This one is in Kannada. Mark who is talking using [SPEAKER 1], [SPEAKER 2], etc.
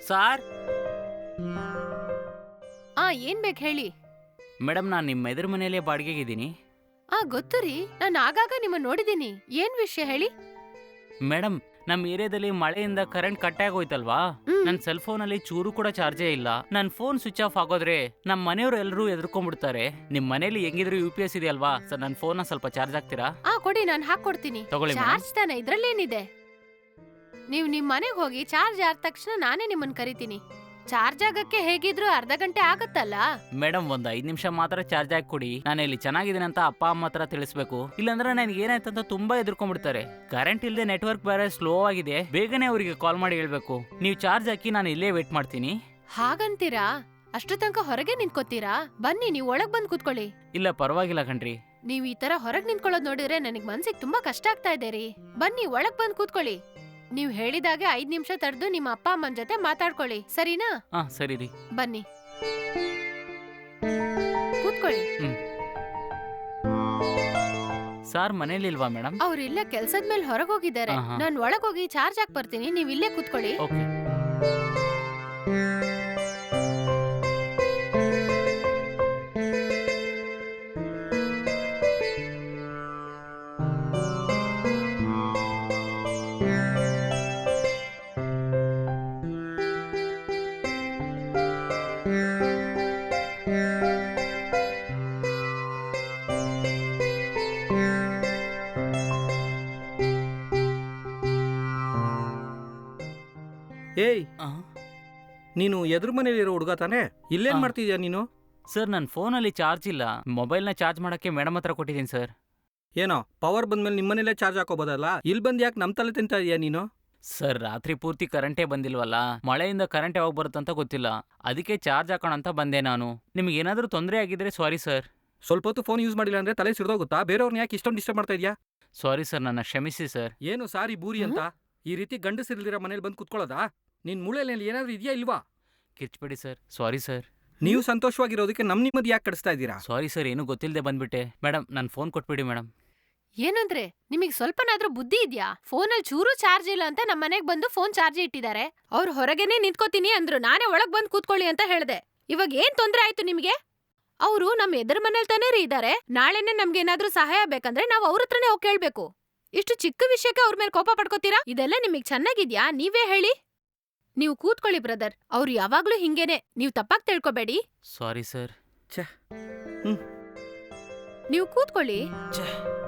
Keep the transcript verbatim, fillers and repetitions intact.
[SPEAKER 1] ಸಾರ್
[SPEAKER 2] ಆ ಏನ್ ಬೇಕು ಹೇಳಿ.
[SPEAKER 1] ಮೇಡಮ್, ನಾನು ನಿಮ್ಮ ಎದುರು ಮನೆಯಲ್ಲೇ ಬಾಡಿಗೆಗಿದ್ದೀನಿ.
[SPEAKER 2] ಆ ಗೊತ್ತು ರೀ, ನಾನು ಆಗಾಗ ನಿಮ್ಮ ನೋಡಿದೀನಿ. ಏನ್ ವಿಷಯ ಹೇಳಿ.
[SPEAKER 1] ಮೇಡಮ್, ನಮ್ಮ ಏರಿಯಾದಲ್ಲಿ ಮಳೆಯಿಂದ ಕರೆಂಟ್ ಕಟ್ ಆಗೋಯ್ತಲ್ವಾ,
[SPEAKER 2] ಹ್ಮ್.
[SPEAKER 1] ನನ್ನ ಸೆಲ್ ಫೋನ್ ಅಲ್ಲಿ ಚೂರು ಕೂಡ ಚಾರ್ಜೇ ಇಲ್ಲ. ನನ್ನ ಫೋನ್ ಸ್ವಿಚ್ ಆಫ್ ಆಗೋದ್ರೆ ನಮ್ಮ ಮನೆಯವರು ಎಲ್ಲರೂ ಎದ್ಕೊಂಡ್ಬಿಡ್ತಾರೆ. ನಿಮ್ ಮನೇಲಿ ಹೆಂಗಿದ್ರು ಯು ಪಿ ಎಸ್ ಇದೆ ಅಲ್ವಾ ಸರ್, ನನ್ನ ಫೋನ್ ಸ್ವಲ್ಪ ಚಾರ್ಜ್ ಆಗ್ತೀರಾ?
[SPEAKER 2] ಆ ಕೊಡಿ, ನಾನು ಹಾಕೊಡ್ತೀನಿ.
[SPEAKER 1] ತಗೊಳ್ಳಿ ಮೇಡಮ್.
[SPEAKER 2] ಚಾರ್ಜ್ ತಾನೆ, ಇದ್ರಲ್ಲೇನಿದೆ. ನೀವ್ ನಿಮ್ ಮನೆಗ್ ಹೋಗಿ ಚಾರ್ಜ್ ಆದ ತಕ್ಷಣ ನಾನೇ ನಿಮ್ಮನ್ ಕರಿತೀನಿ. ಚಾರ್ಜ್ ಆಗಕ್ಕೆ ಹೇಗಿದ್ರು ಅರ್ಧ ಗಂಟೆ ಆಗತ್ತಲ್ಲ.
[SPEAKER 1] ಮೇಡಮ್, ಒಂದ್ ಐದ್ ನಿಮಿಷ ಮಾತ್ರ ಚಾರ್ಜ್ ಹಾಕಿ ಕೊಡಿ. ನಾನು ಇಲ್ಲಿ ಚೆನ್ನಾಗಿದ್ದೀನಿ ಅಂತ ಅಪ್ಪ ಅಮ್ಮ ಹತ್ರ ತಿಳಿಸ್ಬೇಕು. ಇಲ್ಲಾಂದ್ರೆ ನನಗೆ ಏನಾಯ್ತಂತ ತುಂಬಾ ಎದುರ್ಕೊಂಡ್ಬಿಡ್ತಾರೆ. ಕರೆಂಟ್ ಇಲ್ಲದೆ ನೆಟ್ವರ್ಕ್ ಬೇರೆ ಸ್ಲೋ ಆಗಿದೆ, ಬೇಗನೆ ಅವರಿಗೆ ಕಾಲ್ ಮಾಡಿ ಹೇಳ್ಬೇಕು. ನೀವು ಚಾರ್ಜ್ ಹಾಕಿ, ನಾನು ಇಲ್ಲೇ ವೇಟ್ ಮಾಡ್ತೀನಿ.
[SPEAKER 2] ಹಾಗಂತೀರಾ? ಅಷ್ಟು ತನಕ ಹೊರಗೆ ನಿಂತ್ಕೋತೀರಾ? ಬನ್ನಿ, ನೀವ್ ಒಳಗ್ ಬಂದ್ ಕೂತ್ಕೊಳ್ಳಿ.
[SPEAKER 1] ಇಲ್ಲ ಪರವಾಗಿಲ್ಲ ಕಣ್ರಿ.
[SPEAKER 2] ನೀವ್ ಈ ತರ ಹೊರಗ್ ನಿಂತ್ಕೊಳ್ಳೋದ್ ನೋಡಿದ್ರೆ ನನಗ್ ಮನ್ಸಿಗೆ ತುಂಬಾ ಕಷ್ಟ ಆಗ್ತಾ ಇದೆ ರೀ. ಬನ್ನಿ, ಒಳಗ್ ಬಂದ್ ಕೂತ್ಕೊಳ್ಳಿ. ನೀವ್ ಹೇಳಿದಾಗೆ ಐದ್ ನಿಮಿಷ ತಡೆದು ನಿಮ್ಮ ಅಪ್ಪ ಅಮ್ಮನ ಜೊತೆ ಮಾತಾಡ್ಕೊಳ್ಳಿ, ಸರಿನಾ?
[SPEAKER 1] ಹಾ ಸರಿ ರೀ.
[SPEAKER 2] ಬನ್ನಿ ಕೂತ್ಕೊಳ್ಳಿ.
[SPEAKER 1] ಸಾರ್ ಮನೇಲಿ ಇಲ್ವಾ ಮೇಡಮ್?
[SPEAKER 2] ಅವ್ರಿಲ್ಲ, ಕೆಲ್ಸದ ಮೇಲೆ ಹೊರಗ್ ಹೋಗಿದ್ದಾರೆ.
[SPEAKER 1] ಆಹಾ.
[SPEAKER 2] ನಾನ್ ಒಳಗ್ ಹೋಗಿ ಚಾರ್ಜ್ ಹಾಕ್ ಬರ್ತೀನಿ, ನೀವ್ ಇಲ್ಲೇ ಕೂತ್ಕೊಳ್ಳಿ.
[SPEAKER 1] ಓಕೆ.
[SPEAKER 3] ಏಯ್,
[SPEAKER 1] ಆ?
[SPEAKER 3] ನೀನು ಎದುರು ಮನೇಲಿರೋ ಹುಡುಗ ತಾನೆ? ಇಲ್ಲೇನ್
[SPEAKER 1] ಆ.
[SPEAKER 3] ಮಾಡ್ತಿದ್ಯಾ ನೀನು?
[SPEAKER 1] ಸರ್, ನನ್ನ ಫೋನಲ್ಲಿ ಚಾರ್ಜ್ ಇಲ್ಲ. ಮೊಬೈಲ್ನ ಚಾರ್ಜ್ ಮಾಡಕ್ಕೆ ಮೇಡಮ್ ಹತ್ರ ಕೊಟ್ಟಿದ್ದೀನಿ ಸರ್.
[SPEAKER 3] ಏನೋ ಪವರ್ ಬಂದ್ಮೇಲೆ ನಿಮ್ಮನೇಲೆ ಚಾರ್ಜ್ ಹಾಕೋಬೋದಲ್ಲ, ಇಲ್ಲಿ ಬಂದು ಯಾಕೆ ನಮ್ಮ ತಲೆ ತಿಂತಾ ಇದೀಯಾ ನೀನು?
[SPEAKER 1] ಸರ್, ರಾತ್ರಿ ಪೂರ್ತಿ ಕರೆಂಟೇ ಬಂದಿಲ್ವಲ್ಲ, ಮಳೆಯಿಂದ ಕರೆಂಟ್ ಯಾವಾಗ ಬರುತ್ತಂತ ಗೊತ್ತಿಲ್ಲ, ಅದಕ್ಕೆ ಚಾರ್ಜ್ ಹಾಕೋಣ ಅಂತ ಬಂದೆ ನಾನು. ನಿಮ್ಗೆ ಏನಾದರೂ ತೊಂದರೆ ಆಗಿದ್ರೆ ಸಾರಿ ಸರ್.
[SPEAKER 3] ಸ್ವಲ್ಪ ಹೊತ್ತು ಫೋನ್ ಯೂಸ್ ಮಾಡಿಲ್ಲ ಅಂದ್ರೆ ತಲೆ ಸಿಡ್ದೋಗುತ್ತಾ? ಬೇರೆಯವ್ರನ್ನ ಯಾಕೆ ಇಷ್ಟೊಂದು ಡಿಸ್ಟರ್ಬ್ ಮಾಡ್ತಾ ಇದೀಯಾ?
[SPEAKER 1] ಸಾರಿ ಸರ್, ನನ್ನ ಕ್ಷಮಿಸಿ ಸರ್.
[SPEAKER 3] ಏನು ಸಾರಿ ಬೂರಿ ಅಂತ ಈ ರೀತಿ ಗಂಡಸಿರ್ಲಿರೋ ಮನೇಲಿ ಬಂದು ಕುತ್ಕೊಳ್ಳೋದಾ? ನಿನ್ ಮೂಳೆಯಲ್ಲಿ ಏನಾದ್ರೂ ಇದೆಯಾ ಇಲ್ವಾ?
[SPEAKER 1] ಕಿರ್ಚ್ಬೇಡಿ ಸರ್. Sorry sir.
[SPEAKER 3] ನೀವು ಸಂತೋಷವಾಗಿರೋದಕ್ಕೆ ನಮ್ ನಿಮ್ಮದು ಯಾಕೆ ಕಡಿಸ್ತಾ ಇದ್ದೀರಾ?
[SPEAKER 1] ಸಾರಿ ಸರ್, ಏನು ಗೊತ್ತಿಲ್ಲದೆ ಬಂದ್ಬಿಟ್ಟೆ. ಮೇಡಮ್, ನನ್ನ ಫೋನ್ ಕೊಟ್ಬಿಡಿ ಮೇಡಮ್.
[SPEAKER 2] ಏನಂದ್ರೆ ನಿಮಗ್ ಸ್ವಲ್ಪನಾದ್ರೂ ಬುದ್ಧಿ ಇದ್ಯಾ? ಫೋನಲ್ಲಿ ಚೂರು ಚಾರ್ಜ್ ಇಲ್ಲ ಅಂತ ನಮ್ಮ ಮನೆಗ್ ಬಂದು ಫೋನ್ ಚಾರ್ಜ್ ಇಟ್ಟಿದ್ದಾರೆ. ಅವ್ರು ಹೊರಗೇನೆ ನಿಂತ್ಕೋತೀನಿ ಅಂದ್ರು, ನಾನೇ ಒಳಗ್ ಬಂದ್ ಕೂತ್ಕೊಳ್ಳಿ ಅಂತ ಹೇಳ್ದೆ. ಇವಾಗ ಏನ್ ತೊಂದ್ರೆ ಆಯ್ತು ನಿಮ್ಗೆ? ಅವರು ನಮ್ ಎದುರು ಮನೇಲಿ ತಾನೇ ರೀ ಇದಾರೆ. ನಾಳೆನೆ ನಮ್ಗೇನಾದ್ರೂ ಸಹಾಯ ಬೇಕಂದ್ರೆ ನಾವ್ ಅವ್ರ ಹತ್ರನೇ ಹೋಗಿ ಕೇಳ್ಬೇಕು. ಇಷ್ಟು ಚಿಕ್ಕ ವಿಷಯಕ್ಕೆ ಅವ್ರ ಮೇಲೆ ಕೋಪ ಪಡ್ಕೋತೀರಾ? ಇದೆಲ್ಲ ನಿಮಗ್ ಚೆನ್ನಾಗಿದ್ಯಾ? ನೀವೇ ಹೇಳಿ. ನೀವು ಕೂತ್ಕೊಳ್ಳಿ ಬ್ರದರ್, ಅವ್ರು ಯಾವಾಗ್ಲೂ ಹಿಂಗೇನೆ, ನೀವ್ ತಪ್ಪಾಗ್ ತಿಳ್ಕೊಬೇಡಿ.
[SPEAKER 1] Sorry sir.
[SPEAKER 2] ನೀವು ಕೂತ್ಕೊಳ್ಳಿ.
[SPEAKER 1] ಛೇ